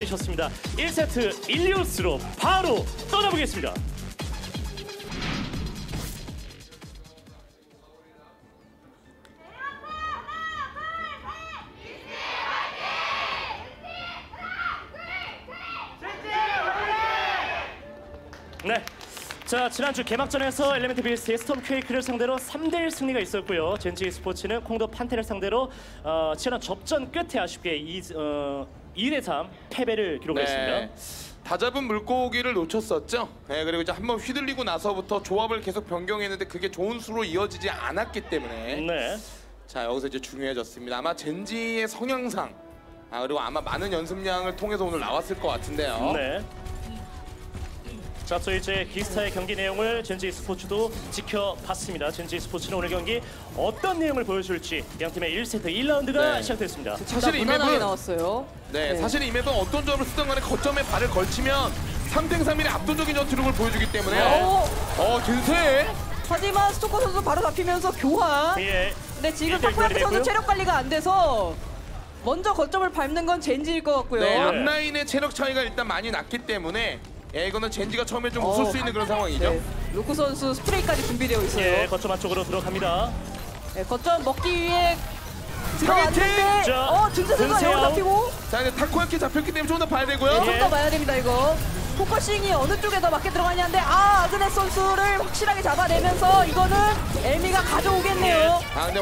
셨습니다. 1세트 일리오스로 바로 떠나보겠습니다. 네. 자, 지난주 개막전에서 엘리멘트 비스트의 스톰 퀘이크를 상대로 3대1 승리가 있었고요. 젠지 스포츠는 콩도 판테를 상대로 치열한 접전 끝에 아쉽게 2대3 패배를 기록했습니다. 네. 다 잡은 물고기를 놓쳤었죠. 네, 그리고 이제 한번 휘둘리고 나서부터 조합을 계속 변경했는데 그게 좋은 수로 이어지지 않았기 때문에 네. 자, 여기서 이제 중요해졌습니다. 아마 젠지의 성향상 그리고 아마 많은 연습량을 통해서 오늘 나왔을 것 같은데요. 네. 자, 또 이제 기스타의 경기 내용을 젠지 스포츠도 지켜봤습니다. 젠지 스포츠는 오늘 경기 어떤 내용을 보여줄지 양팀의 1세트 1라운드가 네. 시작됐습니다. 사실 이 무난하게 맵은 나왔어요. 네, 사실 이 맵은 어떤 조합을 쓰던 간에 거점에 발을 걸치면 3탱3일의 압도적인 전투력을 보여주기 때문에 젠세! 하지만 스토커 선수 바로 잡히면서 교환. 예. 근데 지금 일대일 타코야키 선수 교환이 체력 관리가 안 돼서 먼저 거점을 밟는 건 젠지일 것 같고요. 네, 앞라인의 체력 차이가 일단 많이 났기 때문에 이거는 젠지가 처음에 좀 웃을 수 있는 그런 상황이죠. 네, 루크 선수 스프레이까지 준비되어 있어요. 예, 거점 안쪽으로 들어갑니다. 네, 거점 먹기 위해 타겟팅! 들어왔는데 등세 선수가 등세요. 여기 잡히고 자, 이제 타코야키 잡혔기 때문에 좀 더 봐야 되고요. 좀 더 봐야 됩니다 이거. 포커싱이 어느 쪽에 더 맞게 들어가냐인데 아그네스 선수를 확실하게 잡아내면서 이거는 엘미가 가져오겠네요. 근데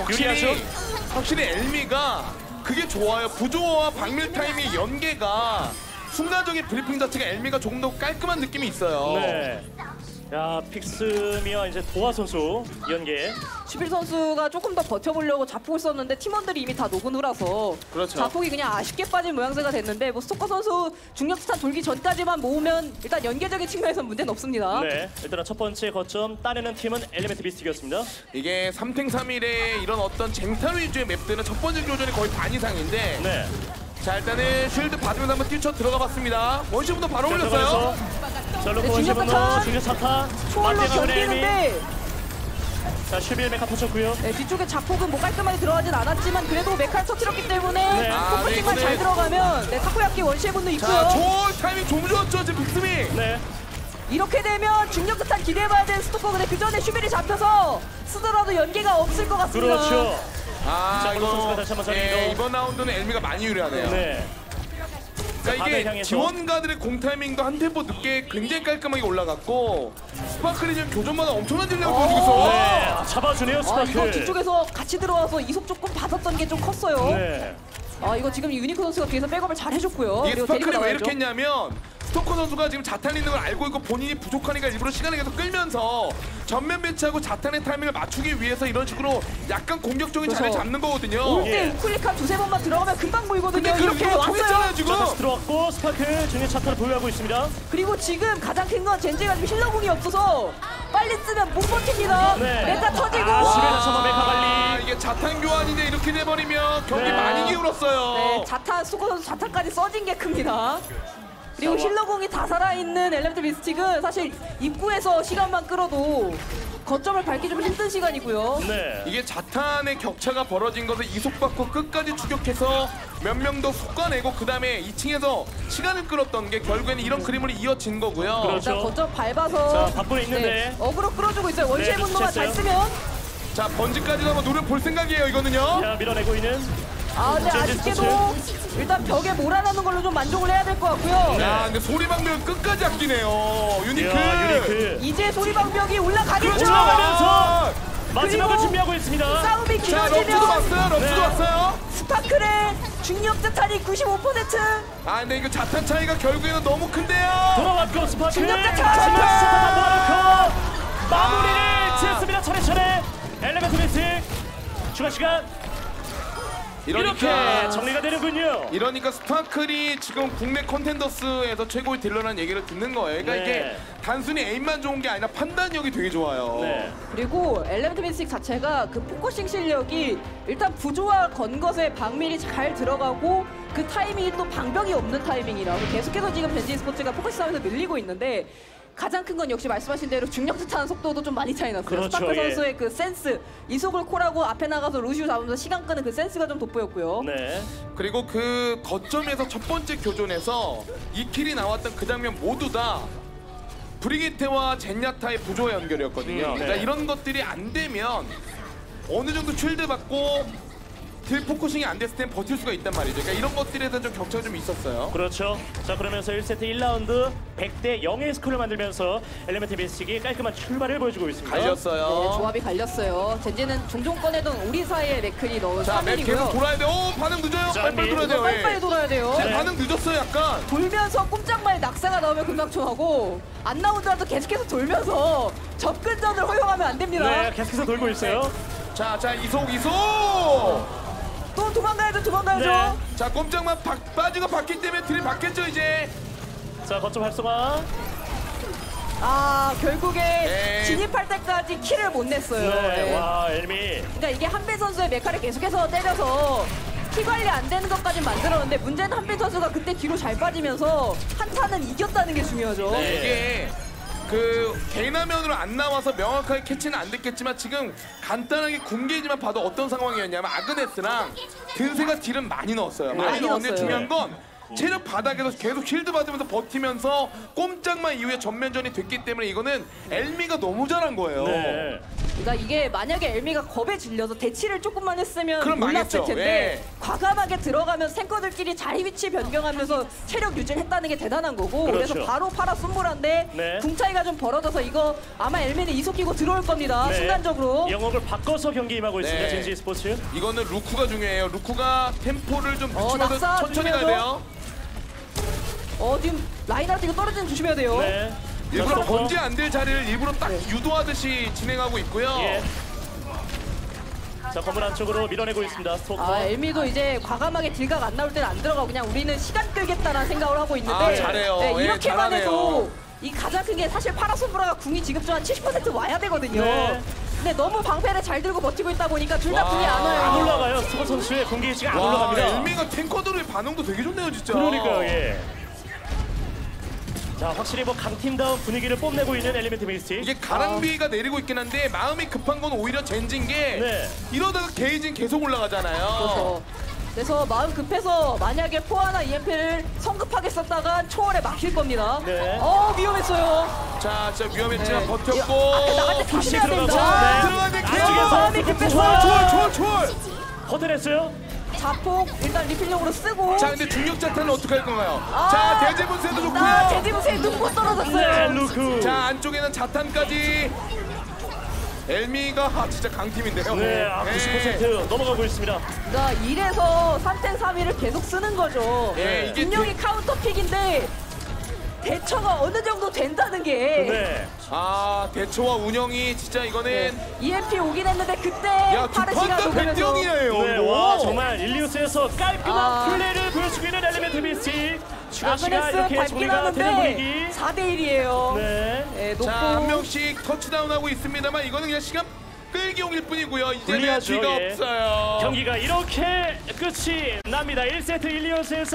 확실히 엘미가 그게 좋아요. 부조와 박밀 타임의 연계가 순간적인 브리핑 자체가 엘미가 조금 더 깔끔한 느낌이 있어요. 네. 야, 픽스미와 이제 도하 선수 연계. 슈필 선수가 조금 더 버텨보려고 자폭을 썼는데 팀원들이 이미 다 녹은 후라서 그렇죠. 자폭이 그냥 아쉽게 빠진 모양새가 됐는데 뭐 스토커 선수 중력스탄 돌기 전까지만 모으면 일단 연계적인 측면에서는 문제는 없습니다. 네. 일단 첫 번째 거점 따내는 팀은 엘리멘트 비스트였습니다. 이게 3탱3일의 이런 어떤 쟁탈 위주의 맵들은 첫 번째 교전이 거의 반 이상인데 네. 자, 일단은 쉴드 받으면서 한번 뛰쳐 들어가 봤습니다. 원시부터 바로 올렸어요. 자, 로코 네, 원시분노 중력 차타. 초월로 맞대가는 엘미. 견디는데 자, 11 메카 터쳤고요. 네, 뒤쪽에 자폭은 뭐 깔끔하게 들어가진 않았지만 그래도 메카를 터뜨렸기 때문에 네. 포커싱만 잘 들어가면 타코야키 원시의 분도 있고요. 자, 초 타이밍 좀 좋았죠, 지금 빅스미. 네. 이렇게 되면 중력스탄 기대해봐야 되는 스토커. 근데 그 전에 슈빌이 잡혀서 쓰더라도 연계가 없을 것 같습니다. 그렇죠. 자, 이거 선수가 다시 한번 자리로. 이번 라운드는 엘미가 많이 유리하네요. 네. 그러니까 바다를 이게 향해서. 지원가들의 공 타이밍도 한 템포 늦게 굉장히 깔끔하게 올라갔고 스파클이 지금 교전마다 엄청난 질량을 보여주고 있어. 네. 잡아주네요, 이거 스파크. 뒤쪽에서 같이 들어와서 이속 조금 받았던 게 좀 컸어요. 네. 이거 지금 유니크 선수가 뒤에서 백업을 잘 해줬고요. 이게 그리고 스파클이 데리고 왜 나와야죠. 이렇게 했냐면 스토커 선수가 지금 자탄 있는 걸 알고 있고 본인이 부족하니까 일부러 시간을 계속 끌면서 전면 배치하고 자탄의 타이밍을 맞추기 위해서 이런 식으로 약간 공격적인 그래서 자리를 잡는 거거든요. 올 때 예. 우클릭 한 두세 번만 들어가면 금방 보이거든요. 근데 이렇게 그거 왔어요. 통했잖아요 지금. 자, 다시 들어왔고 스파크 중력 차타를 보유하고 있습니다. 그리고 지금 가장 큰 건 젠지가 지금 힐러궁이 없어서 빨리 쓰면 못 버팁니다. 네. 메카 터지고. 시베르 메카 관리. 이게 자탄 교환인데 이렇게 돼버리면 경기 네. 많이 기울었어요. 네, 자탄 스토커 선수 자탄까지 써진 게 큽니다. 그리고 힐러공이 다 살아있는 엘리멘트 미스틱은 사실 입구에서 시간만 끌어도 거점을 밟기 좀 힘든 시간이고요. 네. 이게 자탄의 격차가 벌어진 것을 이속받고 끝까지 추격해서 몇 명 더 솎아내고 그 다음에 2층에서 시간을 끌었던 게 결국에는 이런 그림으로 이어진 거고요. 그렇죠. 일단 거점 밟아서 자, 바쁘게 있는데. 어그로 끌어주고 있어요. 원시의 네, 분노만 잘 눈치챘어요. 쓰면. 자, 번지까지도 한번 노려볼 생각이에요 이거는요. 자, 밀어내고 있는. 근데 젠지 아쉽게도 일단 벽에 몰아넣는 걸로 좀 만족을 해야 될 것 같고요. 야, 근데 소리방벽 끝까지 아끼네요. 유니크. 유니크. 이제 소리방벽이 올라가겠죠. 그렇죠. 올라가면서 마지막을 그리고 준비하고 있습니다. 싸움이 자, 럽스도 길어지면 왔어요. 럽스도 네. 왔어요. 스파클의 중력 자탄이 95%. 근데 이거 자탄 차이가 결국에는 너무 큰데요. 돌아왔고 스파크. 중력자탄! 차타 넣어놓고 마무리를 지었습니다. 차례차례. 엘리멘트 미스틱. 추가 시간. 이렇게 정리가 되는군요. 이러니까 스파클이 지금 국내 컨텐더스에서 최고의 딜러라는 얘기를 듣는 거예요. 그러니까 네. 이게 단순히 에임만 좋은 게 아니라 판단력이 되게 좋아요. 네. 그리고 엘리멘트 미스틱 자체가 그 포커싱 실력이 일단 부조화 건 것에 방밀이 잘 들어가고 그 타이밍이 또 방벽이 없는 타이밍이라 계속해서 지금 벤지 스포츠가 포커싱 싸움에서 밀리고 있는데 가장 큰 건 역시 말씀하신 대로 중력수 타는 속도도 좀 많이 차이 났어요. 그렇죠, 스타크 예. 선수의 그 센스, 이속을 콜하고 앞에 나가서 루시우 잡으면서 시간 끄는 그 센스가 좀 돋보였고요. 네. 그리고 그 거점에서 첫 번째 교전에서 이 킬이 나왔던 그 장면 모두 다 브리기테와 젠야타의 부조화 연결이었거든요. 네. 그러니까 이런 것들이 안 되면 어느 정도 쉴드 받고 딜 포커싱이 안 됐을 땐 버틸 수가 있단 말이죠. 그러니까 이런 것들에 대한 좀 격차가 좀 있었어요. 그렇죠. 자, 그러면서 1세트 1라운드 100대 0의 스코어를 만들면서 엘리멘트 비스틱이 깔끔한 출발을 보여주고 있습니다. 갈렸어요. 네, 조합이 갈렸어요. 젠지는 종종 꺼내던 우리사의 맥클이 넣은 자, 맵 계속 3일이고요. 돌아야 돼. 오, 반응 늦어요. 자, 빨리빨리 돌아야 돼요. 빨리빨리 예. 돌아야 돼요. 지금 반응 늦었어요, 약간. 돌면서 꼼짝말 낙사가 나오면 금방충하고 안 나오더라도 계속해서 돌면서 접근전을 허용하면 안 됩니다. 네, 계속해서 돌고 있어요. 자, 이속. 또 도망가야죠. 네. 자, 꼼짝만 빠지고 받기 때문에 딜이 받겠죠, 이제. 자, 거점 활성화. 아, 결국에 네. 진입할 때까지 킬을 못 냈어요. 네, 네. 와, 엘미. 그러니까 이게 한빈 선수의 메카를 계속해서 때려서 키 관리 안 되는 것까지 만들었는데 문제는 한빈 선수가 그때 뒤로 잘 빠지면서 한타는 이겼다는 게 중요하죠. 네. 이게 그 개인 화면으로 안 나와서 명확하게 캐치는 안 됐겠지만 지금 간단하게 공개지만 봐도 어떤 상황이었냐면 아그네스랑 든세가 딜은 많이 넣었어요. 많이 많이 넣었는데 넣었어요. 중요한 건 체력 바닥에서 계속 쉴드 받으면서 버티면서 꼼짝만 이후에 전면전이 됐기 때문에 이거는 엘미가 너무 잘한 거예요. 네. 그러니까 이게 만약에 엘미가 겁에 질려서 대치를 조금만 했으면 그럼 몰랐을 망했죠. 텐데 예. 과감하게 들어가면서 탱커들끼리 자리 위치 변경하면서 체력 유지를 했다는 게 대단한 거고 그렇죠. 그래서 바로 파라 순물한데 네. 궁 차이가 좀 벌어져서 이거 아마 엘미는 이속 끼고 들어올 겁니다. 네. 순간적으로. 영역을 바꿔서 경기 임하고 있습니다. 네. 젠지 스포츠. 이거는 루크가 중요해요. 루크가 템포를 좀 늦추면서 낙사 천천히 가야 조심해야죠. 돼요. 지금 라인하르트 이거 떨어지는 조심해야 돼요. 네. 일부러 자, 번지 안 될 자리를 일부러 딱 유도하듯이 진행하고 있고요. 예. 자, 건물 안쪽으로 밀어내고 있습니다. 스토커. 아, 엘미도 이제 과감하게 딜각 안 나올 때는 안 들어가고 그냥 우리는 시간 끌겠다라는 생각을 하고 있는데 아, 잘해요. 예, 이렇게만 잘하네요. 해도 이 가장 큰 게 사실 파라솜브라가 궁이 지급전 한 70% 와야 되거든요. 네. 근데 너무 방패를 잘 들고 버티고 있다 보니까 둘 다 와, 궁이 안 와요. 안 올라가요. 스토커 선수의 공기 위치가 안 와, 올라갑니다. 엘미가 탱커들의 반응도 되게 좋네요, 진짜. 그러니까요, 예. 자, 확실히 뭐 강팀다운 분위기를 뽐내고 있는 엘리멘트 미스틱. 이게 가랑비가 내리고 있긴 한데 마음이 급한 건 오히려 젠진 게 네. 이러다가 게이지는 계속 올라가잖아요. 그래서, 그래서 마음 급해서 만약에 포화나 EMP를 성급하게 썼다가 초월에 막힐 겁니다. 네. 위험했어요. 자, 진짜 위험했지만 네. 버텼고. 앞에 나갈 때 다시 조심해야 들어가고. 됩니다. 네. 들어가는데 안쪽에서 마음이 스토커 급했어요. 초월. 허들했어요. 자폭 일단 리필용으로 쓰고. 자, 근데 중력 자탄은 어떻게 할 건가요? 아, 자, 대지분쇄도 좋고요. 대지무새 눈꽃 떨어졌어요. 네, 루크. 자, 안쪽에는 자탄까지. 엘미가 진짜 강팀인데요. 네, 90% 넘어가고 있습니다. 그러니까 1에서 3탱 3위를 계속 쓰는 거죠. 예, 이게 분명히 카운터 픽인데 대처가 어느 정도 된다는 게 네. 아, 대처와 운영이 진짜 이거는 EMP 오긴 했는데 그때 야, 두 파르시가 판다 녹으면서 100점이에요. 네, 와, 정말 일리우스에서 깔끔한 아. 플레이를 보여주고 있는 엘리멘트 미스틱. 추가 시간 아그네스 이렇게 밟긴 정리가 되는 하는데 분위기. 4대1이에요. 네. 높고 자, 한 명씩 터치다운하고 있습니다만 이거는 그냥 시간 끌기용일 뿐이고요. 이제는 불리하죠, 뒤가 예. 없어요. 경기가 이렇게 끝이 납니다. 1세트 일리우스에서